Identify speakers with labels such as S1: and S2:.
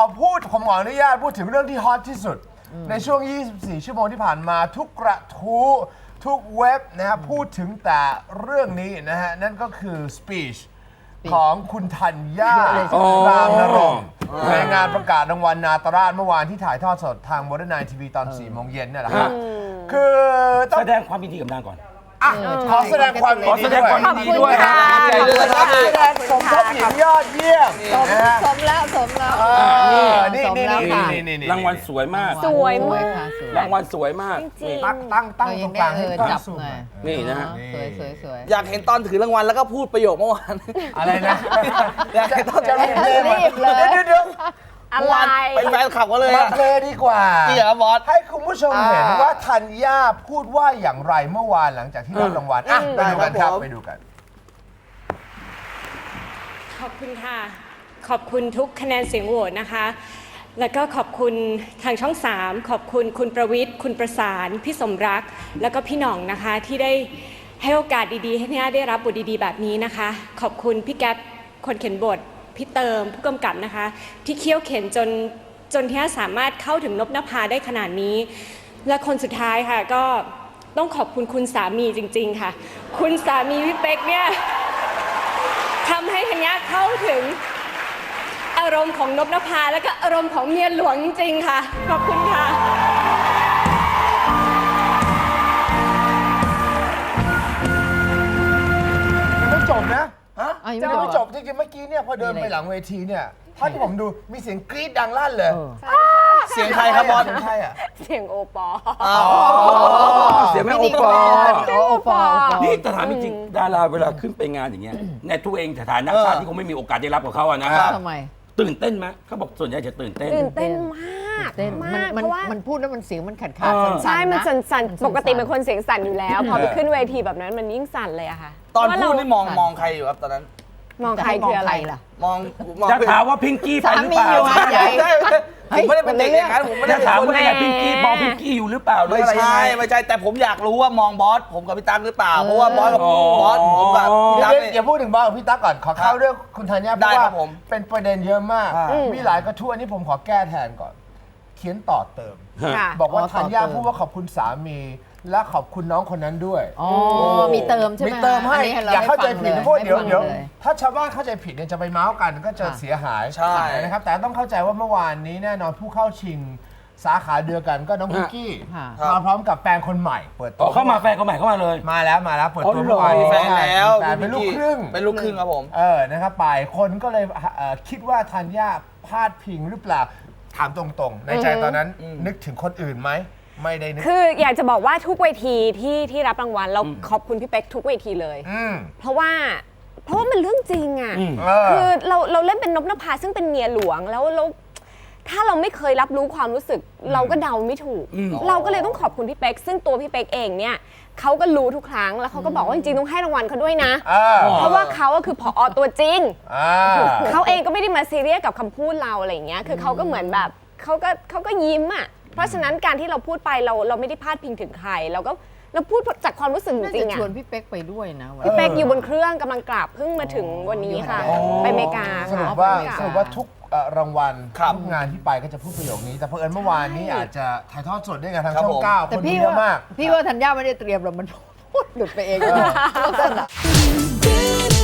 S1: ผมขออนุญาตพูดถึงเรื่องที่ฮอตที่สุดในช่วง 24 ชั่วโมงที่ผ่านมาทุกกระทู้ทุกเว็บนะฮะพูดถึงแต่เรื่องนี้นะฮะนั่นก็คือ speech ของคุณธัญญารามนรงค์ในงานประกาศรางวัลนาตราชเมื่อวานที่ถ่ายทอดสดทางโมเดิร์นไนท์ทีวีตอน 4 โมงเย็นเนี่ยแหละครับคือต้อง
S2: แสดงความยินดีกับนางก่อน
S1: ขอแสดงความยินดี
S2: ขอบคุณค่ะ
S1: ใจด้วยครับสมทบหญิงยอดเยี่ยมนะฮะ
S3: สมแล้ว
S1: นี่
S3: สมแล้วค่ะ
S2: รางวัลสวยมาก
S4: สวยมาก
S3: ค่ะสวย
S2: รางวัลสวยมาก
S4: จริง
S1: ตั้งต
S3: เรา
S1: ร
S3: ยัง
S1: ง
S3: ได้
S1: กลางให้
S3: จับ
S1: สูง
S3: หน่อย
S2: นี่นะฮะ
S3: สวย
S5: อยากเห็นตอนถือรางวัลแล้วก็พูดประโยคเมื่อวาน
S1: อะไรนะ
S5: อยากเห็นตอน
S1: จะรีบเลย
S3: รีบเลย
S1: เดี๋ยว
S4: อะไร
S5: เป็นแฟนคลับก็เลย
S1: มา
S5: อะ
S1: เพลย์ดีกว่า
S5: จริงเหรอบอส
S1: ให้คุณผู้ชมเห็นว่าธัญญาพูดว่าอย่างไรเมื่อวานหลังจากที่รับรางวัลไปดูกันครับไปดูกัน
S4: ขอบคุณค่ะ ขอบคุณทุกคะแนนเสียงโหวตนะคะ แล้วก็ขอบคุณทางช่อง 3 ขอบคุณคุณประวิทย์ คุณประสาน พี่สมรัก แล้วก็พี่หน่องนะคะ ที่ได้ให้โอกาสดีๆ ให้พี่ได้รับบทดีๆ แบบนี้นะคะ ขอบคุณพี่แก๊ปคนเขียนบท พี่เติมผู้กำกับนะคะ ที่เคี่ยวเข็นจนที่สามารถเข้าถึงนพนภาได้ขนาดนี้ และคนสุดท้ายค่ะก็ต้องขอบคุณคุณสามีจริงๆค่ะ คุณสามีพี่เป๊กเนี่ยทำให้ธัญญาเข้าถึงอารมณ์ของนพนภาและก็อารมณ์ของเมียหลวงจริงๆค่ะ ขอบคุณค่ะ
S1: ยังไม่จบนะ
S3: ยัง
S1: ยัง
S3: ไม่
S1: ไม่
S3: จ
S1: จ
S3: บบ
S1: จริงๆเมื่อกี้เนี่ยพอเดินไปหลังเวทีเนี่ยถ้าที่ผมดูมีเสียงกรี๊ดดังลั่นเลย
S5: เสียงใครครับบอส
S1: เสียงใครอ่ะ
S4: เสียงโอปอ
S2: เสียงแม่โอปอ
S3: โอปอ
S2: นี่แต่ถามจริงๆดาราเวลาขึ้นไปงานอย่างเงี้ยในตัวเองฐานะชาติที่คงไม่มีโอกาสได้รับกับเขาอะนะฮะ
S3: ทำไม
S2: ตื่นเต้นไหมเขาบอกส่วนใหญ่จะตื่นเต้น
S4: ตื่นเต้นมาก
S3: เต้น
S4: มาก
S3: มัน
S4: เพราะว่า
S3: มันพูดแล้วมันเสียงมันขาด
S4: ใช่ มัน
S3: นะ
S4: สั่น
S3: มัน
S4: ๆ ปกติเป็นคนเสียงสั่นอยู่แล้ว พอไปขึ้นเวทีแบบนั้นมันยิ่งสั่นเลยอะค่ะ
S5: ตอน
S4: เพราะ
S5: พูด
S4: ว่า
S5: นี่มองใครอยู่ครับตอนนั้น
S4: มองใครคืออะไร
S3: ล่ะ
S5: มอง
S2: จะถามว่าพิงกี้ไปหรือเปล่า
S3: สามีอยู่หาดใหญ่
S5: ใช่ผมไม่ได้เป็นเด็กอย่างนั้นผมไม่ได้
S2: จะ
S5: เป็น
S2: ถาม
S5: คน
S2: ว่าไงพิงกี้มองพิงกี้อยู่หรือเปล่าหรือ
S5: ไม่
S2: อะไรยัง
S5: ใช่
S2: ไง
S5: ไม่ใช่แต่ผมอยากรู้ว่ามองบอสผมกับพี่ตั๊กหรือเปล่าเพราะว่าบอสกับ
S2: อ๋อ
S5: บอสผมกับพี่ตั๊กเนี่ย
S1: อย่าพูดถึงบอสกับพี่ตั๊กก่อนขอเข้าเรื่องคุณธัญญาเพ
S5: ได้
S1: ราะ
S5: ครั
S1: ว่า
S5: บผม
S1: เป็นประเด็นเยอะมาก มีหลายกระทู้อันนี้ผมขอแก้แทนก่อน เขียนต่อเติม
S4: ค่ะ
S1: บอกว่า
S3: อ๋อ
S1: ธัญญา
S3: ต่อเติม
S1: พูดว่าขอบคุณสามี และขอบคุณน้องคนนั้นด้วย
S3: อ๋อมีเติมใช่ไหม
S1: มีเติมให้
S3: อันนี้ร
S1: อย่าเข้าใจผิดนะเพราะว่าเดี๋ยว
S3: ให้ฟังเลย
S1: ถ้าชาวบ้านเข้าใจผิดเนี่ยจะไปเมาส์กันก็จะเสียหาย
S5: ใช่
S1: นะครับแต่ต้องเข้าใจว่าเมื่อวานนี้แน่นอนผู้เข้าชิงสาขาเดียวกันก็น้องพิกกี้
S3: ค่ะ
S1: มาพร้อมกับแฟนคนใหม่เปิดตั
S2: อ๋อ
S1: ว
S2: เข้ามาแฟนเขาใหม่เข้ามาเลย
S1: มาแล้วเปิด
S2: อ๋อ
S1: ตัว
S2: เหรอ
S1: เมื่อวานนี้
S5: แฟนแล้ว
S1: แฟนเป็นลูกครึ่ง
S5: เป็นลูกครึ่งครับผม
S1: นะครับไปคนก็เลยคิดว่าธัญญาพลาดพิงหรือเปล่าถามตรงๆ ในใจตอนนั้นนึกถึงคนอื่นไหมไม่ได้นึก
S4: คืออยากจะบอกว่าทุกเวทีที่รับรางวัลเราขอบคุณพี่เป๊กทุกเวทีเลย
S1: อืม
S4: เพราะว่ามันเรื่องจริงอ่ะ คือเราเล่นเป็นนพนภาซึ่งเป็นเมียหลวงแล้วถ้าเราไม่เคยรับรู้ความรู้สึก เราก็เดาไม่ถูก เราก็เลยต้องขอบคุณพี่เป๊กซึ่งตัวพี่เป๊กเองเนี่ยเขาก็รู้ทุกครั้งแล้วเขาก็บอกว่าจริงๆต้องให้รางวัลเขาด้วยนะ เพราะว่าเขาก็คือผอตัวจริง เขาเองก็ไม่ได้มาซีเรียสกับคำพูดเราอะไรอย่างเงี้ยคือเขาก็เหมือนแบบเขาก็ยิ้มอ่ะเพราะฉะนั้นการที่เราพูดไปเราไม่ได้พาดพิงถึงใครเราพูดจากความรู้สึกจ
S3: น่า
S4: ริ
S3: จะ
S4: งๆอ่ะ
S3: ชวนพี่เป๊กไปด้วยนะวัน
S4: พี่เป๊กอยู่บนเครื่องกำลังกลับเพิ่งมาถึงวันนี้ค่ะ ไปอเมริกา
S1: สรุ
S4: ค่ะ
S1: ปว่า
S4: ไปอเมริก
S1: สรุปว่าทุกรางวัล
S5: ครับ
S1: ทุกงานที่ไปก็จะพูดประโยคนี้ แต่เผอิญเมื่อวานนี้อาจจะถ่ายทอดสดด้วยกันทาง
S5: ครับ
S1: ช่อ
S5: ผ
S1: ง
S5: ม
S1: เก้า
S3: แต่
S1: คน
S3: พี่
S1: เยอะ
S3: ว่าม
S1: าก
S3: พี่ว่าธัญญาไม่ได้เตรียมหรอกมันพูดหลุดไปเอง